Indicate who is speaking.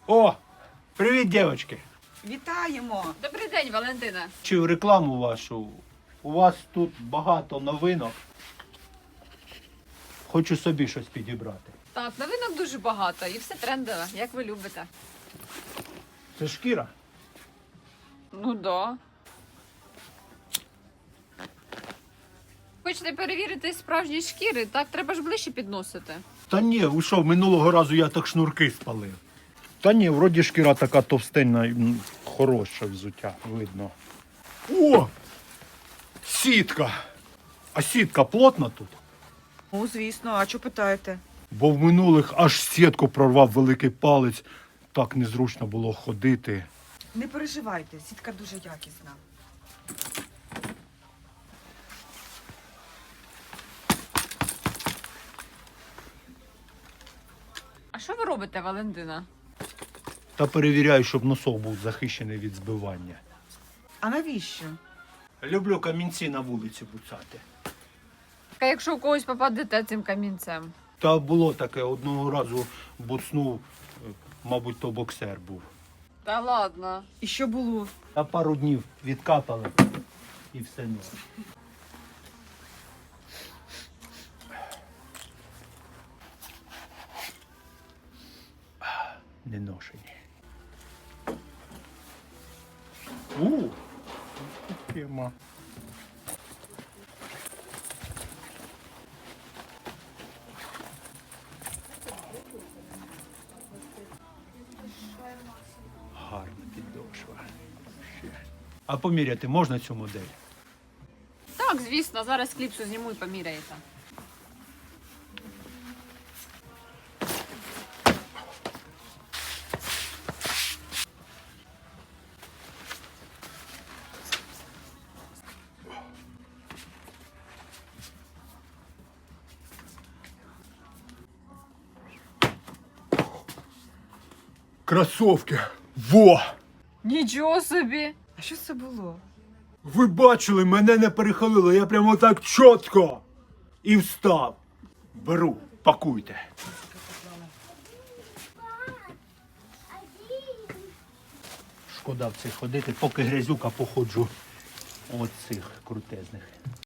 Speaker 1: О, привіт, дівчатки.
Speaker 2: Вітаємо!
Speaker 3: Добрий день, Валентина.
Speaker 1: Чи в рекламу вашу? У вас тут багато новинок. Хочу собі щось підібрати.
Speaker 3: Так, новинок дуже багато і все трендове, як ви любите.
Speaker 1: Це шкіра.
Speaker 3: Ну да. Хочете перевірити справжні шкіри, так треба ж ближче підносити.
Speaker 1: Та ні, ви що, минулого разу я так шнурки спалив. Та ні, вроді шкіра така товстенна, хороше взуття, видно. О! Сітка! А сітка плотна тут?
Speaker 2: Ну, звісно, а що питаєте?
Speaker 1: Бо в минулих аж сітку прорвав великий палець. Так незручно було ходити.
Speaker 2: Не переживайте, сітка дуже якісна.
Speaker 3: А що ви робите, Валентина?
Speaker 1: Та перевіряю, щоб носок був захищений від збивання.
Speaker 2: А навіщо?
Speaker 1: Люблю камінці на вулиці буцати.
Speaker 3: А якщо у когось попадете цим камінцем?
Speaker 1: Та було таке, одного разу буцнув, мабуть, то боксер був.
Speaker 3: Та ладно.
Speaker 2: І що було?
Speaker 1: Та пару днів відкапали і все норм. Не ношені. Тема. Гарна підошва. Ще. А поміряти можна цю модель?
Speaker 3: Так, звісно, зараз кліпсу зніму і поміряєте.
Speaker 1: Кросовки! Во!
Speaker 3: Нічого собі!
Speaker 2: А що це було?
Speaker 1: Ви бачили, мене не перехилило, я прямо так чітко і встав. Беру, пакуйте. Шкода в цих ходити, поки грязюка походжу от цих крутезних.